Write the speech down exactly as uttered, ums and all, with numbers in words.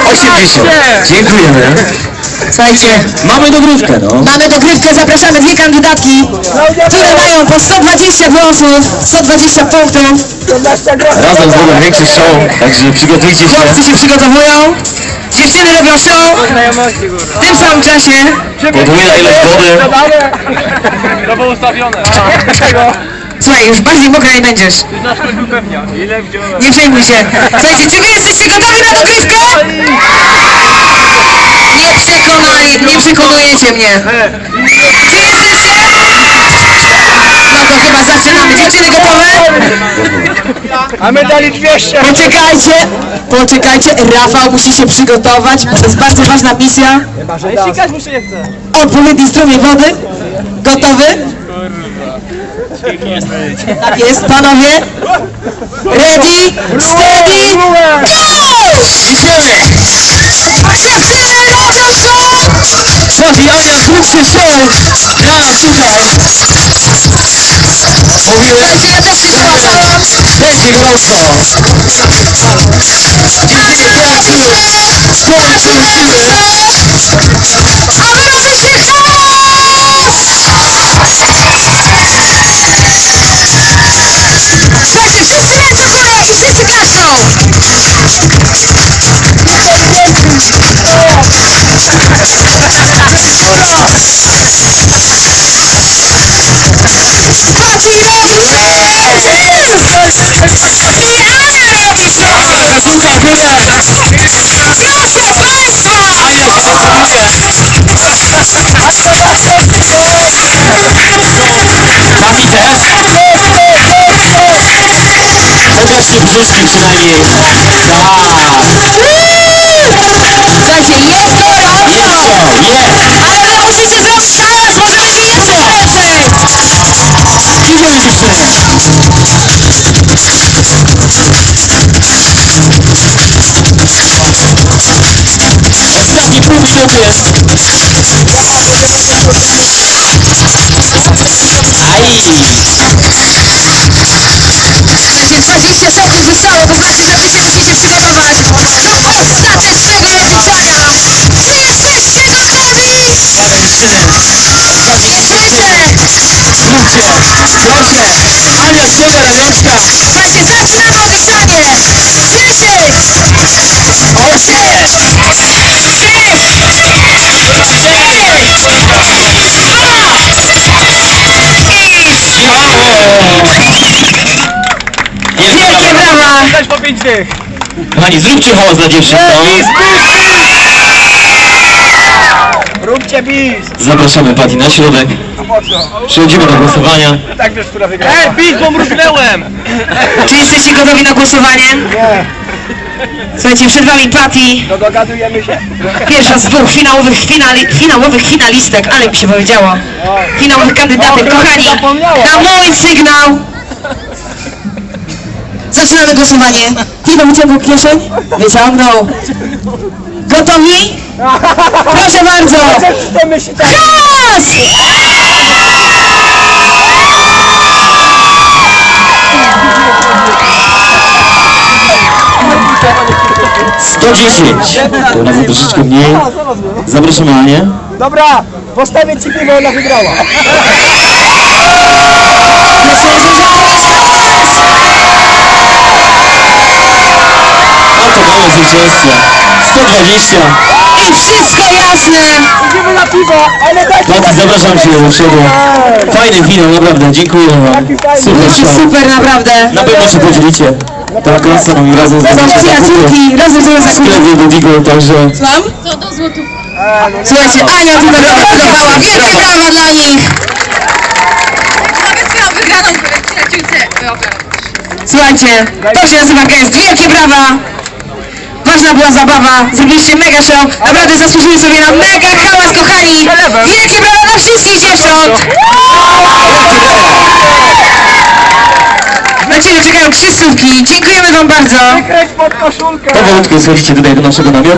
osiemdziesiąt. Dziękujemy. Słuchajcie, Mamy dogrywkę, no. mamy dogrywkę, zapraszamy dwie kandydatki, które mają po sto dwadzieścia głosów, sto dwadzieścia punktów. Razem zrobią większy show, także przygotujcie się. Chłopcy się przygotowują, dziewczyny robią show. W tym samym czasie Podwójna ilość wody. To było ustawione. słuchaj, już bardziej mokra nie będziesz. Ty znasz kogoś upewnia. Ile wziąłem? Nie przejmuj się. Słuchajcie, czy wy jesteście gotowi na dogrywkę? Nie przekonaj, nie przekonujecie mnie. Czy jesteście? No to chyba zaczynamy. Dziewczyny gotowe? A my dali dwieście. Poczekajcie, poczekajcie. Rafał musi się przygotować. To jest bardzo ważna misja. Sikać mu się nie chce. Odpowiedni strumień wody. Gotowy? Tak jest, panowie. Ready, steady, go! Idziemy! Dziewczyny robią show! Sławi Ania, zróbcie show! Ja, słuchaj! Mówiłem, Słuchajcie, ja też się zgłaszałam. będzie gorąco! Dziewczyny tańczyły! Skończył siły! A wy robicie hałas! Słuchajcie, wszyscy ręce w górę i wszyscy klaszczą! Pati robi show! I Ania robi show! Kazulka w górę! Proszę Państwa! Ania się decyduje! Mami też? Pokażcie brzuszki przynajmniej! Tak! Słuchajcie, jest gorąco! Jest show! Jest! Ale wy musicie zrobić hałas, może będzie jeszcze więcej! Idziemy dziewczyny! Ostatni pół minuty! Aj! Słuchajcie, dwadzieścia sekund zostało, to znaczy, że wy się musicie przygotować do ostatecznego rozliczania! Czy jesteście gotowi? Dawaj dziewczyny! Ostatnie Słyszę! Zróbcie! Proszę! Ania ściąga ramionczka! Słuchajcie, zaczynamy odliczanie! dziesięć! Osiem! Wielkie brawa! Dać po pięć dych. Kochani, zróbcie hałas dla dziewczyn, no. Róbcie bis. Zapraszamy Pati na środek. A po co? Przechodzimy do głosowania. Tak wiesz, która wygrała. Ej, bis, bo mrugnęłem. Czy jesteście gotowi na głosowanie? Nie. Słuchajcie, przed wami Patty, No dogadujemy się. pierwsza z dwóch finałowych, finali, finałowych finalistek, ale mi się powiedziało. Finałowych kandydatek, kochani, na mój sygnał zaczynamy głosowanie. Timo wyciągnął kieszeń? Wyciągnął. Gotowi? Proszę bardzo! Chcemy się tak. Czas! sto dziesięć. To nawet troszeczkę mniej. Zapraszamy Anię. Dobra, postawię ci piwo, ona wygrała. Myślę, że to jest hałas! Oto mamy zwycięzcę. sto dwadzieścia. I wszystko jasne! Idziemy na piwo, ale dajcie Pati, zapraszam Cię do przodu. Fajny finał, naprawdę. Dziękuję Wam. Super Będzie show. super, naprawdę. Na pewno się podzielicie. Tak, razem razem z Są nami przyjaciółki, razem sobie zakupy. sklepie do Digo, także Słucham? Słuchajcie, Ania tutaj zaprezentowała. Wielkie brawa dla nich! Nawet miał wygraną przyjaciółce. Słuchajcie, to się nazywa gest. Wielkie brawa! Ważna była zabawa, zrobiliście mega show. Naprawdę zasłużyli sobie na mega hałas, kochani! Wielkie brawa dla wszystkich dziewcząt! Na Ciebie czekają krzyżówki. Dziękujemy Wam bardzo. Kręć pod koszulkę. powolutku schodzicie tutaj do naszego namiotu.